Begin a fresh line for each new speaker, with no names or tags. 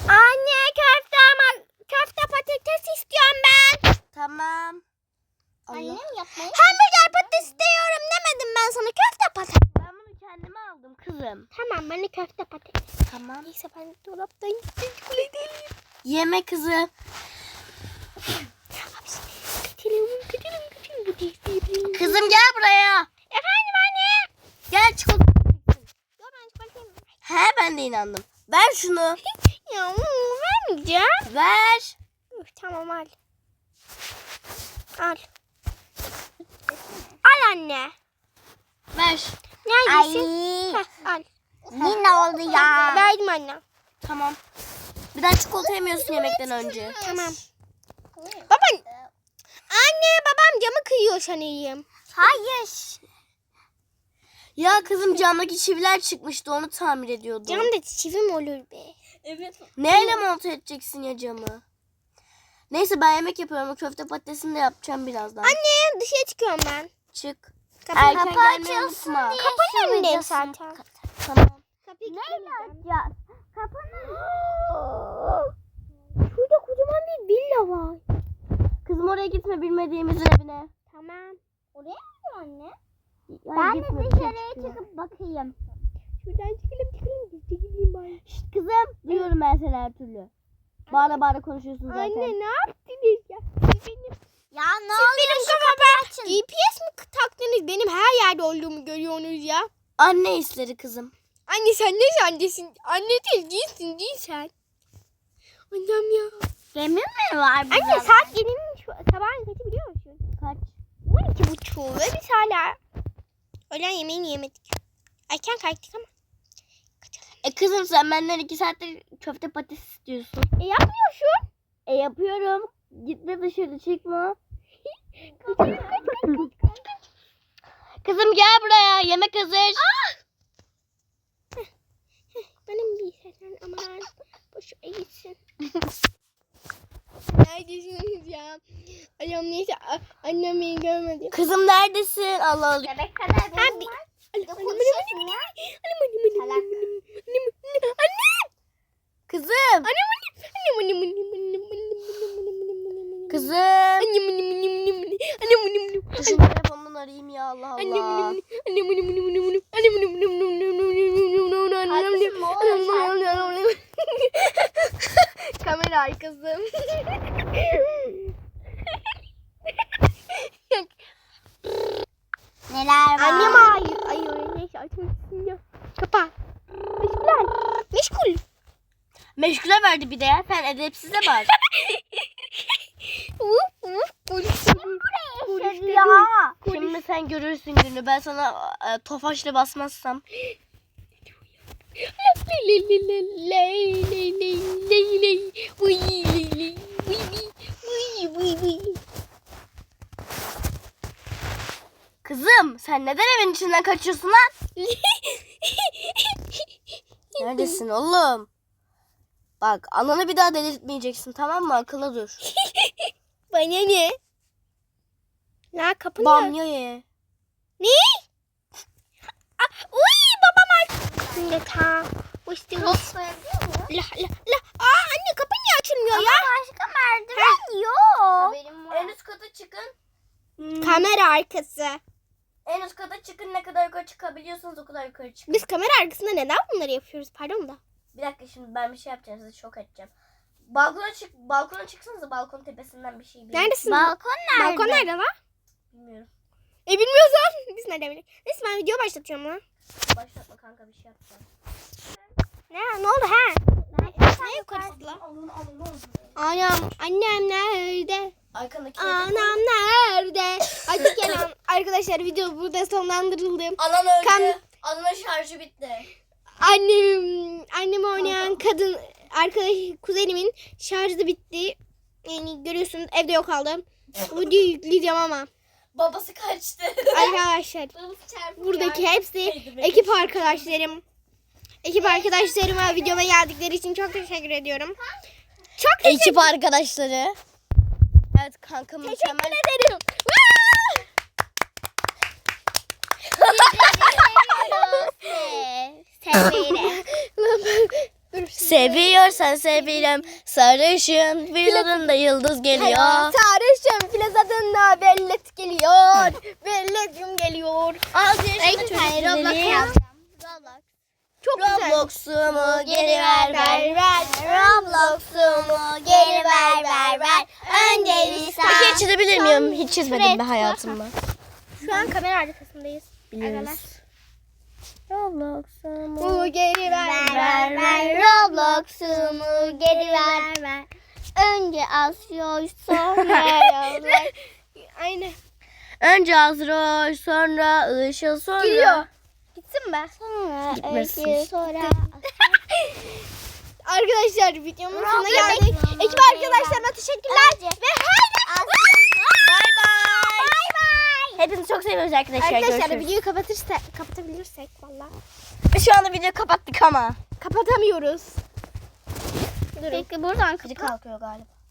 Anne köfte ama köfte patates istiyorum ben.
Tamam.
Annem yapmayı.
Hamburger patates istiyorum demedim ben sana, köfte patates.
Ben bunu kendime aldım kızım.
Tamam, bana köfte patates.
Tamam.
Neyse ben dolaptan gittim, çikolata alayım.
Yeme kızım.
Kaçalım.
Kızım gel buraya.
Efendim anne.
Gel çikolata.
Dur ben çikolatayım.
He ben de inandım. Ver şunu.
Ya vermeyeceğim.
Ver.
Tamam al. Al. Al anne.
Ver.
Neredesin? Heh, al.
Yine oldu ya.
Verdim anne.
Tamam. Bir daha çikolata yemiyorsun yemekten önce.
Tamam. Baba. Anne babam camı kıyıyor sanayım.
Hayır.
Ya kızım camdaki çiviler çıkmıştı, onu tamir ediyordum.
Camda çivi mi olur be?
Evet.
Neyle monte edeceksin ya camı? Neyse ben yemek yapıyorum. O köfte patatesini de yapacağım birazdan.
Anne dışarı çıkıyorum ben.
Çık.
Kapı
Erken
Kapı
gelmeyi
açılsın
unutma.
diye.
Kapının önündeyim
şuradan
zaten.
Tamam.
Kapıyı
Neyle
kilitlemeyeceğim.
açacağız? Kapının.
Şurada kocaman bir villa var.
Kızım oraya gitme, bilmediğimizin evine.
Tamam.
Oraya mı anne?
Yani
Ben de
gitme,
dışarıya
çıkıyor.
çıkıp bakayım.
Şuradan çıkalım. Gizli gideyim bari.
Şşt kızım. Duyuyorum ben seni her türlü. Bağıra bağıra konuşuyorsun zaten.
Anne ne yaptınız ya? Siz benim,
Ya ne
benim kafama GPS mi taktınız? Benim her yerde olduğumu görüyorsunuz ya.
Anne hisleri kızım.
Anne sen ne annesin? Anne değil sen. Annem ya.
Gemi mi var burada?
Anne saat 7'nin sabahın kaçı biliyor musun?
Kaç?
12.30 ve biz hala öğlen yemeğini yemedik. Erken kalktık ama.
Kızım sen benden 2 saattir köfte patates istiyorsun.
Yapmıyorsun.
Yapıyorum. Gitme dışarı, çıkma. Kızım gel buraya. Yemek hazır.
Benim bir sesen aman. Boşuna gitsin. Neredesiniz ya? Annem neyse annem beni görmedi.
Kızım neredesin? Allah Allah.
Bebek kadar benim
Abi.
var.
Annem.
Konuşuyorsun ya.
Kızım. Kızım. Dur şu telefonunu arayayım ya, Allah Allah.
Kamera arkası.
Neler var?
Annem ay neyse açmışsın ya. Kapa. Meşgul.
Meşgule verdi bir de ya. Sen edepsize bak.
Ya.
Şimdi sen görürsün günü. Ben sana tofaşla basmazsam. Kızım sen neden evin içinden kaçıyorsun lan? Neredesin oğlum? Bak ananı bir daha delirtmeyeceksin, tamam mı? Akıllı dur.
Bana ne? La kapı
Bamya ye.
Ne? Uy babam aç. Şimdi ta. İşte
Not koyabiliyor muyum?
la. Anne kapı niye açılmıyor ya?
Başka merdiven yok.
Haberim var. En üst kata çıkın.
Kamera arkası.
En üst kata çıkın, ne kadar yukarı çıkabiliyorsanız o kadar yukarı çıkın.
Biz kamera arkasında neden bunları yapıyoruz? Pardon da.
Bir dakika, şimdi ben bir şey yapacağım, sizi şok edeceğim. Balkona çıksanıza, balkon tepesinden bir şey bilin.
Neredesin?
Balkon nerede?
Balkon nerede lan?
Bilmiyorum.
Bilmiyorsan biz nereden bilelim? Neyse ben video başlatacağım lan.
Başlatma kanka, bir şey yapacağım.
Ne oldu ha? Ne yukarısı lan? Annem nerede?
Arkandaki
Anam nerede? Artık gelen arkadaşlar video burada sonlandırıldı.
Anan öldü.
Kam-
Ananın şarjı bitti.
Annem oynayan kadın arkadaş kuzenimin şarjı da bitti. Yani görüyorsunuz evde yok kaldı. Videoyu yükleyeceğim ama.
Babası kaçtı.
Arkadaşlar buradaki hepsi ekip arkadaşlarım. Ekip arkadaşlarıma videoma geldikleri için çok teşekkür ediyorum. Çok teşekkür
Ekip arkadaşları. Evet kanka, mükemmel.
ederim.
Seviyoruz.
Severim. Dur.
Seviyorsan severim. Sarışın vücudunda yıldız geliyor.
Sarışın plazadında bellet geliyor. Belletim geliyor.
Az yaşında çocuk güzeli.
Çok güzel.
Roblox'umu geri ver ver.
Roblox'umu geri ver. Önce bir
Peki çizebilir miyim? Hiç çizmedim be hayatımda.
Şu an kamera arkasındayız.
Biliyoruz. Roblox'umu.
Bu geri ver.
Roblox'umu geri ver. Önce asıyor sonra yollar.
Aynen.
Önce Azroş, sonra Işıl, sonra...
Geliyor. Gitsin be.
Sonra
Gitmesin.
öykü sonra.
Arkadaşlar videomun sonuna geldik. Ekip arkadaşlarıma teşekkürler. Ve
Bay bay. Hepinizi çok seviyoruz arkadaşlar.
arkadaşlar
Görüşürüz.
videoyu kapatabilirsek valla.
Şu anda video kapattık ama.
Kapatamıyoruz.
Peki buradan
Kalkıyor galiba.